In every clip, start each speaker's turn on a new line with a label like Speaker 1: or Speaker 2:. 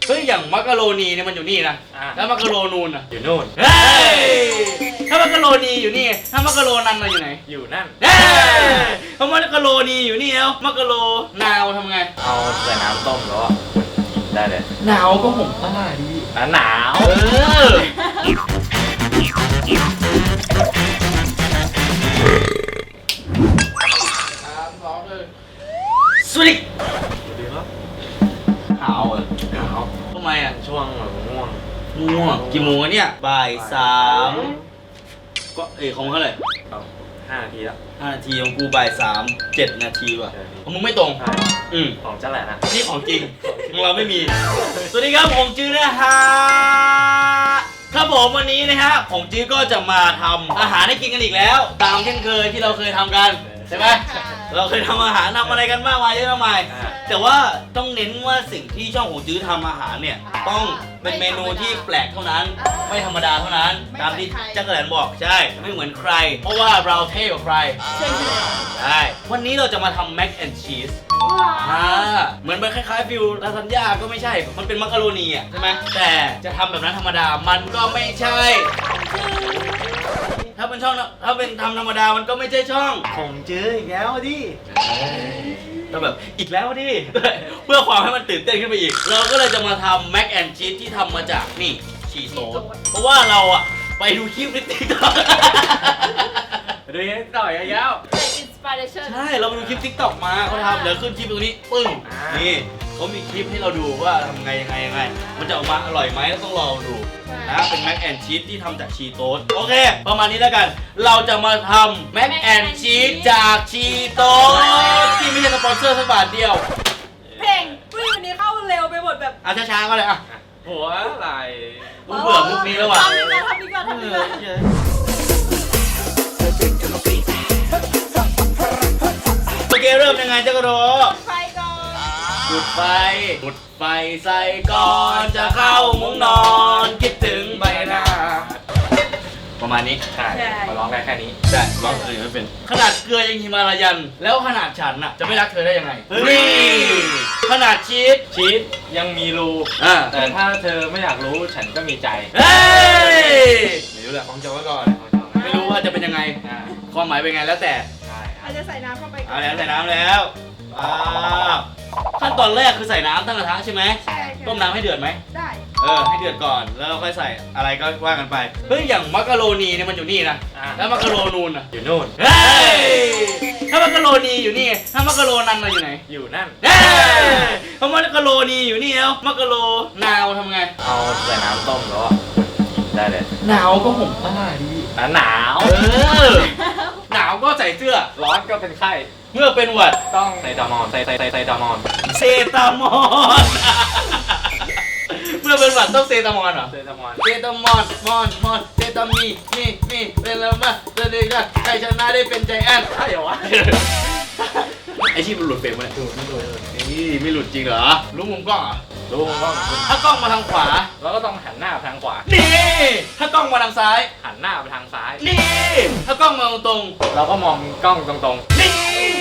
Speaker 1: เฮ้ยอย่างมักกะโรนีเนี่ยมันอยู่นี่นะแล้วมักกะโรนูนอ่ะ
Speaker 2: อยู่นู่น
Speaker 1: เฮ้ยถ้ามักกะโรนีอยู่นี่ถ้ามักกะโรนันมาอยู่ไหน
Speaker 2: อยู่นั่น
Speaker 1: เฮ้ยถ้ามักกะโรนีอยู่นี่แล้วมักกะโรนาวทำไง
Speaker 2: เอาใส่น้ำต้มแล้วก็กินได้เลย
Speaker 1: หนาวก็ห่มผ้าดี
Speaker 2: หนาว
Speaker 1: สวัสดี
Speaker 2: ดีครับ
Speaker 1: หาวเหรอ
Speaker 2: หนาว
Speaker 1: ทำไมอ่ะ
Speaker 2: ช่วงแบบง่วง
Speaker 1: ง่วงกี่โมงอะเนี่ยบ่ายสามก็ของมึงเท่าไหร่
Speaker 2: เอา5 นาทีแล้ว
Speaker 1: 5 นาทีของกูบ่าย3 7 นาทีว่ะ
Speaker 2: ใช่
Speaker 1: ของมึงไม่ตรง
Speaker 2: ใช่
Speaker 1: อืม
Speaker 2: ของเจ้าแหละนะ
Speaker 1: นี่ของจริงของเราไม่มี สวัสดีครับผมจื้อนะฮะครับผมวันนี้นะฮะผมจื้อก็จะมาทำอาหารให้กินกันอีกแล้ว ตามเช่นเคยที่เราเคยทำกันใช่ไหมเราเคยทำอาหารทำอะไรกันมากมายเยอะมากมายแต่ว่าต้องเน้นว่าสิ่งที่ช่องของจื้อทำอาหารเนี่ยต้องเป็นเมนูที่แปลกเท่านั้น ไม่ธรรมดาเท่านั้น ตามที่จักรแหลนบอกใช่ไม่เหมือนใคร เพราะว่าเราเท่กว่าใครใช่วันนี้เราจะมาทำแม็กแอนด์ชีสเหมือนมันคล้ายๆฟิลลาซานญ่าก็ไม่ใช่ มันเป็นมักกะโรนีอ่ะใช่ไหมแต่จะทำแบบนั้นธรรมดามันก็ไม่ใช่ ถ้าเป็นช่องถ้าเป็นทำธรรมดามันก็ไม่ใช่ช่อง
Speaker 2: ผมเจออีกแล้วดิ
Speaker 1: ก็แบบอีกแล้วดิ เพื่อความให้มันตื่นเต้นขึ้นไปอีก เราก็เลยจะมาทำแม็กแอนชีสที่ทำมาจากนี่ชีสโต๊ดเพราะว่าเราอ่ะไปดูคลิปในติ๊กต็อก
Speaker 2: ดูยังต่อยยาว
Speaker 3: อินสปิเรชั่น
Speaker 1: ใช่ เราไปดูคลิปทิกตอกมาเขาทำเดี๋ยวขึ้นคลิปตรงนี้ ปึ้ง นี่เขามีคลิปให้เราดูว่าทำไงยังไง มันจะออกมาอร่อยไหมต้องรอดูนะเป็นแม็กแอนชีสที่ทำจากชีโต๊ดโอเค ประมาณนี้แล้วกัน เราจะมาทำแม็กแอนชีสจากชีโต๊ดที่ไม่ใช่สปอนเซอร์สักบาทเดียว
Speaker 3: เพลงวันนี้เข้าเร็วไปหมดแบบ
Speaker 1: ช้าๆก็เลยอ่ะ
Speaker 2: หัวไหล
Speaker 1: กูเบื่อมุกนี้แล้วว่ะ
Speaker 3: ทำดีกว่าทำดีกว่าทำดีกว่า
Speaker 1: โอเคเริ่มยังไงเจ้ากระโด
Speaker 3: ไฟก่อน
Speaker 1: จุดไฟจุดไฟใส่ก่อนจะเข้ามุ้งนอนคิดถึงใบหน้า ประมาณนี้
Speaker 2: ใช่มาร้องได้แค่นี้
Speaker 1: ได้ร้องเพลงไม่เป็น ขนาดเกลือยังหิมาลายัน แล้วขนาดฉันน่ะจะไม่รักเธอได้ยังไงนี่ขนาดชีส
Speaker 2: ชีสยังมีรู แต่ถ้าเธอไม่อยากรู้ฉันก็มีใจ
Speaker 1: เฮ้ยไม่รู้แหละของจอไว้ก่อน ไม่รู้ว่าจะเป็นยังไง ความหมายเป็นไงแล้วแต่
Speaker 2: ใช่
Speaker 3: อาจจะใส่น้ำเข้าไปก่
Speaker 1: เอา
Speaker 3: อน
Speaker 1: แล้วใส่น้ำแล้วขั้นตอนแรกคือใส่น้ำตั้งกระทะใช่ไหม
Speaker 3: ใช่
Speaker 1: ต้มน้ำให้เดือดไหม
Speaker 3: ได้
Speaker 1: ให้เดือดก่อน แล้วเราค่อยใส่อะไรก็ว่ากันไป เฮ้ย อย่างมักกะโรนีเนี่ยมันอยู่นี่นะ แล้วมักกะโรนูนอ่ะ
Speaker 2: อยู่นู่น
Speaker 1: เฮ้ย ถ้ามักกะโรนีอยู่นี่ถ้ามักกะโรนันมาอยู่ไหน
Speaker 2: อยู่นั่น
Speaker 1: เฮ้ยถ้ามักกะโรนีอยู่นี่แล้วมักกะโรนาวทำไง
Speaker 2: เอาใส่น้ำต้มแล้วก็กินได้เลย
Speaker 1: หนาวก็ห่มผ้าดี
Speaker 2: หนาว
Speaker 1: หนาวก็ใส่เสื้อ
Speaker 2: ร้อนก็เป็นไข้
Speaker 1: เมื่อเป็นหวัด
Speaker 2: ต้องไซตามอนไซตามอน
Speaker 1: เซตามอน เมื่อเป็นหวัดต้องเซตามอนเหรอ
Speaker 2: ไซตามอน
Speaker 1: เซตามอนมอนเซตามีเป็นแล้วมาเดี๋ยวใครชนะได้เป็นใจแอน
Speaker 2: ใช่เหรอวะ
Speaker 1: ไอชีพมันหลุดเฟรมไหม
Speaker 2: ดูไม่ดู
Speaker 1: นี่ไม่หลุดจริงเหรอ รู้มุมกล้องเหรอ
Speaker 2: ดูมันก็
Speaker 1: ถ้ากล้องมาทางขวา
Speaker 2: แล้วก็ต้องหันหน้าไปทางขวา
Speaker 1: นี่ ถ้ากล้องมาทางซ้าย
Speaker 2: หันหน้าไปทางซ้าย
Speaker 1: นี่ ถ้ากล้องมาตรง
Speaker 2: เราก็มองกล้องตรง
Speaker 1: ๆนี่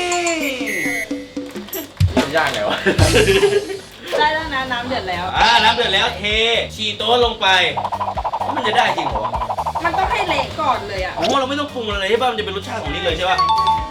Speaker 2: ๆมันยากไงวะ
Speaker 3: ได้แล้วนะน้ำเดือดแล้ว
Speaker 1: น้ำเดือดแล้วเทชีโต้ลงไป มันจะได้จริงเหรอ
Speaker 3: มันต้องให้เละก่อนเลยอ่ะ
Speaker 1: อ๋อเราไม่ต้องปรุงอะไรใช่ป่ะ มันจะเป็นรสชาติของนี่เลยใช่ป่ะ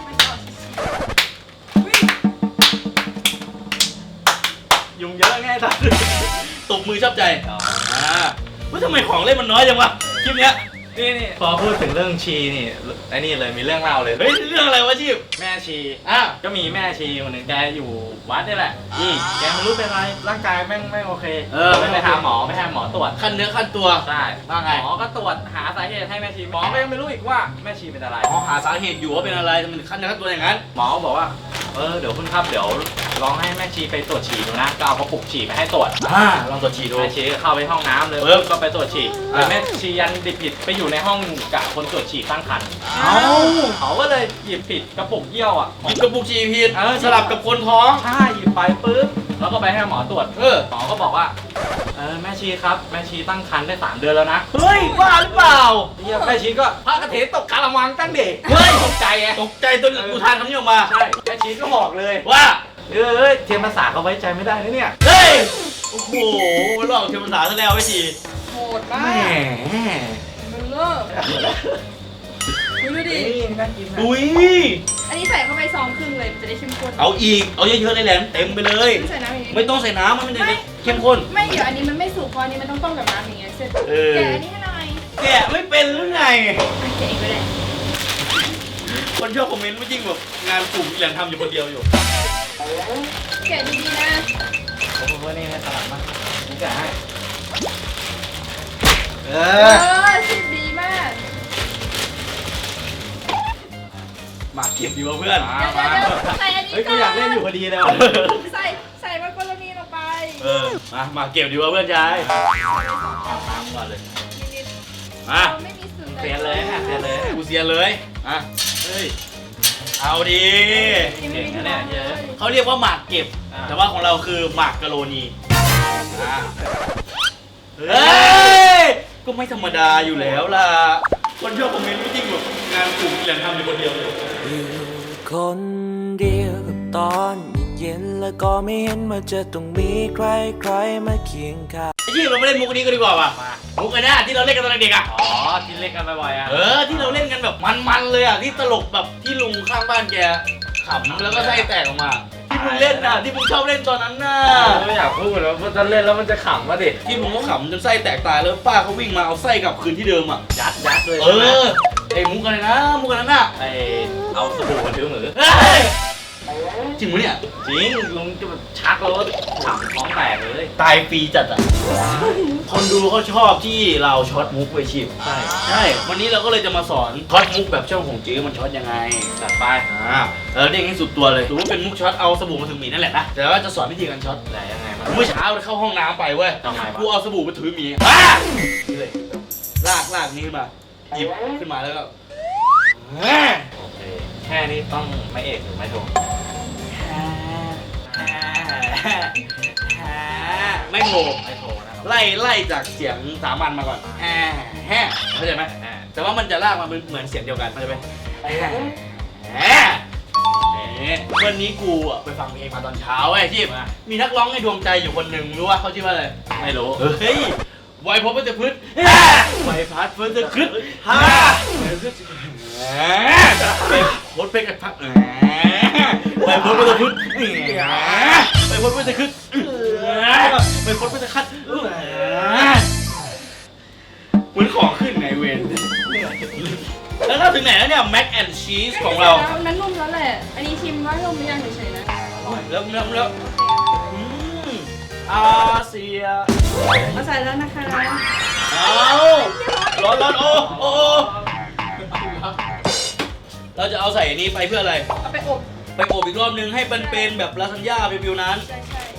Speaker 1: ยุงเยอะไงท่าน ตบมือชอบใจว่าทำไมของเล่นมันน้อยจังวะ คลิปเนี้ย
Speaker 2: นี่พอพูดถึงเรื่องชีนี่ไอ้นี่เลยมีเรื่องเล่าเลย
Speaker 1: เฮ้ย เรื่องอะไรวะชีพ
Speaker 2: แม่ชี
Speaker 1: อ่ะ
Speaker 2: ก็มีแม่ชีคนหนึ่งแกอยู่วัดนี่แหละ
Speaker 1: อืม
Speaker 2: แกไม่รู้เป็นอะไรร่างกายแม่งไม่โอเค
Speaker 1: ไม่
Speaker 2: ไป
Speaker 1: โอเค
Speaker 2: หาหมอไปหาหมอตรวจ
Speaker 1: ขั้นเนื้อขั้นตัว
Speaker 2: ใช่
Speaker 1: ว่าไง
Speaker 2: หมอก็ตรวจหาสาเหตุให้แม่ชีหมอก็ยังไม่รู้อีกว่าแม่ชีเป็นอะไร
Speaker 1: อ๋อหาสาเหตุอยู่ว่าเป็นอะไรทำไมถึงขั้นเนื้อขั้นตัวอย่างนั้น
Speaker 2: หมอบอกว่าเดี๋ยวคุณครับเดี๋ยวลองให้แม่ชีไปตรวจฉี่ดูนะก็เอากระปุกฉี่ไปให้ตรวจ
Speaker 1: ลองตรวจฉี่ดู
Speaker 2: แม่ชีก็เข้าไปห้องน้ำเลย
Speaker 1: ปึ๊บ
Speaker 2: ก็ไปตรวจฉี่แต่แม่ชียันดิบผิดไปอยู่ในห้องกับคนตรวจฉี่ตั้งครรภ์
Speaker 1: เอ้า
Speaker 2: เขาก็เลยหยิบผิดกระปุกเยี่ยวอ่ะ
Speaker 1: หยิบกระปุกฉี่ผิด
Speaker 2: เออ
Speaker 1: สลับกับคนท้อง
Speaker 2: ใช่หยิบไปปึ๊บแล้วก็ไปให้หมอตรวจ
Speaker 1: เออ
Speaker 2: หมอก็บอกว่าแม่ชีครับแม่ชีตั้งครรภ์ได้3 เดือนแล้วนะ
Speaker 1: เฮ้ยบ้าหรือเปล่า
Speaker 2: เฮียแม่ชีก็พระกฐินตกกาละมังตั้งเด็ก
Speaker 1: เฮ้ย
Speaker 2: ตกใจไง
Speaker 1: ตกใจจนอุทานคำนี้ออกมา
Speaker 2: ใช่แม่ชีก็บอกเลย
Speaker 1: ว่า
Speaker 2: เทียนภาษาเขาไว้ใจไม่ได้นะเนี่ย
Speaker 1: เฮ้ยโอ้โหหลอกเทวดาซะแล้วไอ้ที
Speaker 3: โหดมา
Speaker 1: แห
Speaker 3: ก
Speaker 1: ม
Speaker 3: มันเลิกดูดิ
Speaker 1: อุ้ย
Speaker 3: อันนี้ใส่เข้าไปซองครึ่งเลยมันจะได้เข้มข้น
Speaker 1: เอาอีกเอาเยอะๆเลยแหลมเต็มไปเลย
Speaker 3: ไม่ใส่น้ำอย่างนี้
Speaker 1: ไม่ต้องใส่น้ำมันจะได้เข้มข้น
Speaker 3: ไม่เดี๋ยวอันนี้มันไม่สุกเพราะอันนี้มันต้องต้มกับน้ำอย่างเงี้ยเสร็จ
Speaker 1: เออ
Speaker 3: แกะอันนี้ให้หน่อย
Speaker 1: แกะไม่เป็นหรือไง
Speaker 3: แกะเองก็ได้
Speaker 1: คนชอบคอมเมนต์ไม่จริงแบบงานกลุ่มแหลมทำอยู่คนเดียวอยู่
Speaker 3: แกะดีๆนะ
Speaker 2: ผมว่านี่ให้สลัดมานี่จะให้
Speaker 1: เอ
Speaker 3: ชิมดีมาก
Speaker 1: มาเก็บดีวะเพื่อน
Speaker 3: เดี๋ยวใส่อันนี้
Speaker 2: เฮ้ย
Speaker 3: ก่
Speaker 2: กู
Speaker 3: อน
Speaker 2: อยากเล่นอยู่พอดีเลย
Speaker 3: ใส่มักกะโรนีลงไป
Speaker 1: มาเก็บดีวะเพื่อนชายน้ำก่อนเลย
Speaker 3: นิด
Speaker 1: มา
Speaker 3: ๆเราไม่มีสูตร
Speaker 2: เสียเลยนะเสียเลย
Speaker 1: กูเสียเลยเฮ้ยเอาดี
Speaker 2: เก่งนะเนี่ยเยอะ
Speaker 1: เขาเรียกว่าหมากเก็บ แต่ว่าของเราคือหมากกะโรนีเฮ้ยก็ไม่ธรรมดาอยู่แล้วล่ะคนชอบคอมเมนต์ไม่จริงแบบงานกลุ่มแหลมทำอยู่คนเดียวเลย
Speaker 4: คนเดียวกับตอนเย็นๆแล้วก็ไม่เห็นว่าจะต้องมีใครๆมาเคียงข้าง
Speaker 1: ไอ้ที่เราไม่เล่นมุกนี้กันดีกว่าป่ะมุกอันนี้ที่เราเล่นกันตอนเด็กอ่ะ
Speaker 2: อ๋อที่เล่นกันบ่อยๆอ่ะ
Speaker 1: ที่เราเล่นกันแบบมันๆเลยอ่ะที่ตลกแบบที่ลุงข้างบ้านแกขำแล้วก็ไส้แตกออกมาที่มึงเล่นน่ะที่มึงชอบเล่นตอนนั้นน่ะ
Speaker 2: ไม่อยากพูดแล้วเพราะถ้าเล่นแล้วมันจะขำวะดิ
Speaker 1: ที่มึงก็ขำจนไส้แตกตายแล้วป้าเขาวิ่งมาเอาไส้กลับคืนที่เดิมอ่ะ
Speaker 2: ยัดเลย
Speaker 1: ไอ้มุกอะไรนะมุกอันนั้นน่ะ
Speaker 2: ไอเอาสบู่มาถือมือ
Speaker 1: เฮ้ยจริงปะเนี่ย
Speaker 2: จริงลุงจะแบบชักแล้วขำท้องแตกเลย
Speaker 1: ตายฟรีจัดอ่ะคนดูเขาชอบที่เราช็อตมุกไปชิบ
Speaker 2: ใช่
Speaker 1: วันนี้เราก็เลยจะมาสอนช็อตมุกแบบช่องของจื้อมันช็อตยังไง
Speaker 2: จัดไป
Speaker 1: เรียกให้สุดตัวเลยถือว่าเป็นมุกช็อตเอาสบู่มาถึงหมีนั่นแหละนะแต่ว่าจะสอนวิธีการช็อต
Speaker 2: ไหนยังไงมัน
Speaker 1: เมื่อเช้าเข้าห้องน้ำไปเว้ย
Speaker 2: ทำไมวะ
Speaker 1: กูเอาสบู่มาถือหมีนี่เลยลากนี้ขึ้นมาหยิบขึ้นมาแล้วก็
Speaker 2: โอเคแค่นี้ต้องไม่เอกหรือไม่โท
Speaker 1: ไม่โผล่
Speaker 2: ไม่โทนะครับ
Speaker 1: ไล่จากเสียงสามัญมาก่อนเข้าใจไหมแต่ว่ามันจะลากมาเหมือนเสียงเดียวกันเข้าใจไหมวันนี้กูอ่ะไปฟังเพลงมาตอนเช้าไอ้ที่มีนักร้องในดวงใจอยู่คนหนึ่งรู้ว่าเขาชื่อว่าอะไร
Speaker 2: ไม่รู้
Speaker 1: เฮ้ยไวพบเพื่อจะพึ่งไวพัดเพื่อจะขึ้นโคตรเป๊กกันพักไวพบเพื่อจะพึ่งไวพบเพื่อจะขึ้นไวพบเพื่อจะคัดเหมือนของขึ้นไงเวนแล้วเราถึงไหนแล้วเนี่ยแม็กแอนด์ชีสของเรา
Speaker 3: นั้นนุ่มแล้วแหละ อันนี้ชิมว่านุ่มหรือยังเฉยๆนะ
Speaker 1: แล้วอาเซีย
Speaker 3: เอาใส่แล้วนะคะ
Speaker 1: เอาร้อนโอ้เราจะเอาใส่อันนี้ไปเพื่ออะไร
Speaker 3: เอาไปอบ
Speaker 1: ไปอบอีกรอบนึงให้มันเป็นแบบลาซานญ่าฟิวๆนั้น
Speaker 3: ใช่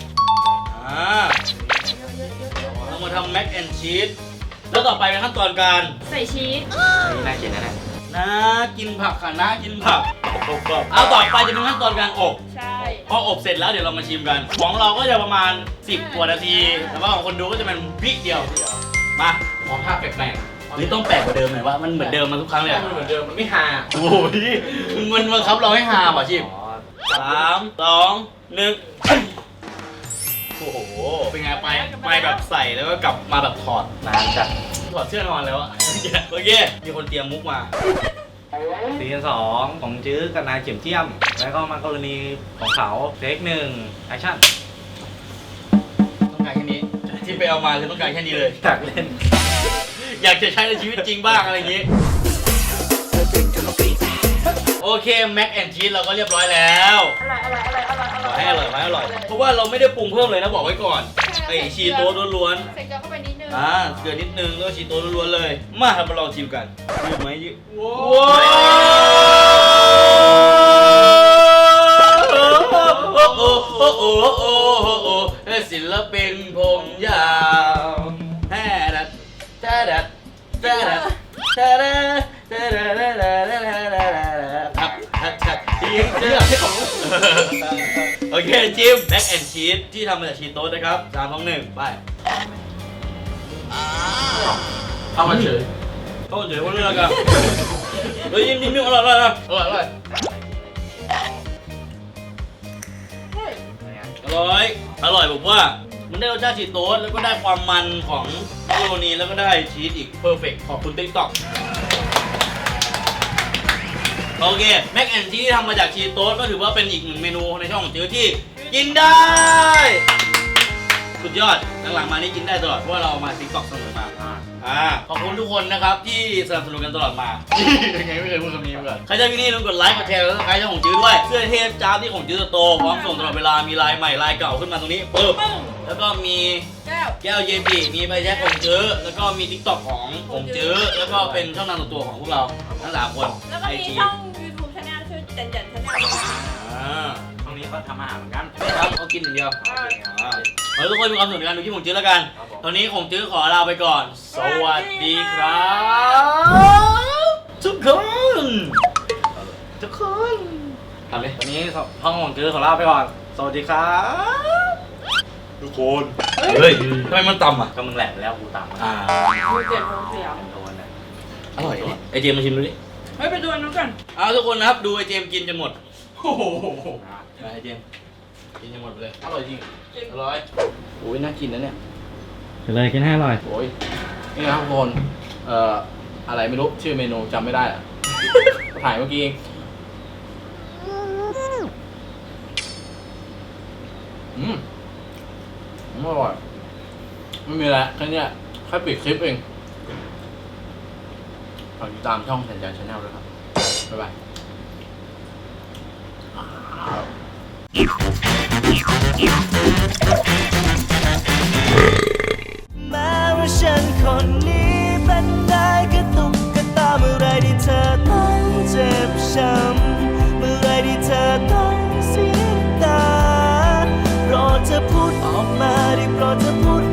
Speaker 1: เรามาทำแม็กแอนชีสแล้วต่อไปเป็นขั้นตอนการ
Speaker 3: ใส่ชีส
Speaker 2: นี่น่ากินนะเนี่ย
Speaker 1: นะกินผักค่ะนะกินผักเอาต่อไปจะเป็นขั้นตอนการอบ
Speaker 3: ใช่
Speaker 1: พออบเสร็จแล้วเดี๋ยวเรามาชิมกัน ของเราก็จะประมาณ10กว่านาที แต่ว่าของคนดูก็จะเป็นวิเดียว มาขอภาพแปลกๆหรือต้องแปลกกว่าเดิมหน่อยว่ามันเหมือนเดิมมาทุกครั้งเลยอะ
Speaker 2: มันเหมือนเดิมมันไม่ฮา
Speaker 1: โอ้ยมันบังคับเราให้หาว่ะชิม 3 2 1โอ้โหเป็นไงไปแบบใส่แล้วก็กลับมาแบบถอด
Speaker 2: นานจัด
Speaker 1: ถอดเสื้อนอนแล้วอะโอเคมีคนเตรียมมุกมา
Speaker 2: ซีซั่น2ของจื้อกับนายเข็มเทียม แล้วก็มักกะโรนีของเขาเทค1แอคชั่น
Speaker 1: ต้องการแค่นี้ที่ไปเอามาคือต้องการแค่นี้เลย
Speaker 2: อยากเล่น
Speaker 1: อยากจะใช้ในชีวิตจริงบ้างอะไรอย่างงี้ โอเคแม็กแอนชีสเราก็เรียบร้อยแล้ว ขอให้อร่อยเพราะว่าเราไม่ได้ปรุงเพิ่มเลยนะบอกไว้ก่อนไอชีโต้ล้วน
Speaker 3: ใส่เกลือเข้าไปนิดนึง
Speaker 1: เกลือนิดนึงแล้วชีโต้ล้วนๆเลยมาทำมาลองชิมกันยืดไหมยืดว้าวศิลปินผมยาวแฮ่ดัดแฮ่ดัดแฮ่ดัดแฮ่ดัดครับยิงเชือกที่ของโอเคจิมแม็กแอนชีสที่ทำมาจากชีโต้นะครับ3 2 1ไปเข้ามาเฉยคนเลือกกันเฮ้ยยิ้มอร่อยอร่อยผมว่ามันได้รสชาติชีสโต๊สแล้วก็ได้ความมันของมักกะโรนีแล้วก็ได้ชีสอีกเพอร์เฟกต์ขอบคุณ TikTok โอเคแม็กแอนชีสที่ทำมาจากชีสโต๊สก็ถือว่าเป็นอีกหนึ่งเมนูในช่องของจื้อที่กินได้สุดยอดหลังๆมานี่กินได้ตลอดเพราะว่าเราเอามา TikTok เสมอมาขอบคุณทุกคนนะครับที่สนับสนุนกันตลอดมา ยังไงไม่เคยพูดคำนี้มาก่อนใครชอบคลิปนี้ลืมกดไลค์กดแชร์แล้วก็ใครชอบของจื้อด้วยเสื้อเทพจ้าบที่ของจื้อโตพร้อมส่งตลอดเวลามีลายใหม่ลายเก่าขึ้นมาตรงนี้ปึ๊บแล้วก็มี
Speaker 3: แก้ว
Speaker 1: แก้วเยบีมีใบแจ็คของจื้อแล้วก็มี TikTok ของจื้อแล้วก็เป็นช่องทางส่วนตัวของพวกเราทั้ง3คน
Speaker 3: แล้วก็มี
Speaker 1: IG
Speaker 3: ช่อง YouTube Channel ชื่อจันจัน Channel
Speaker 2: ช่วงนี้ก็ทำอาหารเหมือนกัน
Speaker 1: ครับเขากินอย่างเดียวขอให้ทุกคนมีความสุขในการดูคลิปของจื้อแล้วกันตอนนี้ของจื้อขอลาไปก่อนสวัสดีครับทุกคนทำเลย
Speaker 2: วันนี้ห้องของจื้อขอลาไปก่อน สวัสดีครับ
Speaker 1: ทุกคนเฮ้ยทำไมมันต่ำอ่ะ
Speaker 2: ก็มึงแหลกไปแล้วกูตามมา
Speaker 3: ดูเจ็บท้องเสีย
Speaker 2: โดนเลย
Speaker 1: อร่อยเนี่ยไอเจมมาชิมดูดิ
Speaker 3: เฮ้ยไปดูอันนู้นก่อน
Speaker 1: ทุกคนนะครับดูไอเจมกินจนหมดโอ้โหไอเจมกินจนหมดไปเลยอร่อยจริงอร่อยโอ้ยน่ากินนะเนี่ย
Speaker 2: กินเลยกินให้อร่อย
Speaker 5: โอ้ยนี่นะครับทุกคนอะไรไม่รู้ชื่อเมนูจำไม่ได้อะ ถ่ายเมื่อกี้เองอร่อยไม่มีอะไรแค่เนี้ยแค่ปิดคลิปเองฝากติดตามช่องแสนใจชาแนลด้วยครับ บ๊ายบาย
Speaker 4: แม้ว่าฉันคนนี้เป็นได้แค่ตุ๊กตาเมื่อไรที่เธอต้องเจ็บช้ำเมื่อไรที่เธอต้องเสียตาโปรดเธอพูดออกมาได้โปรดเธอพูด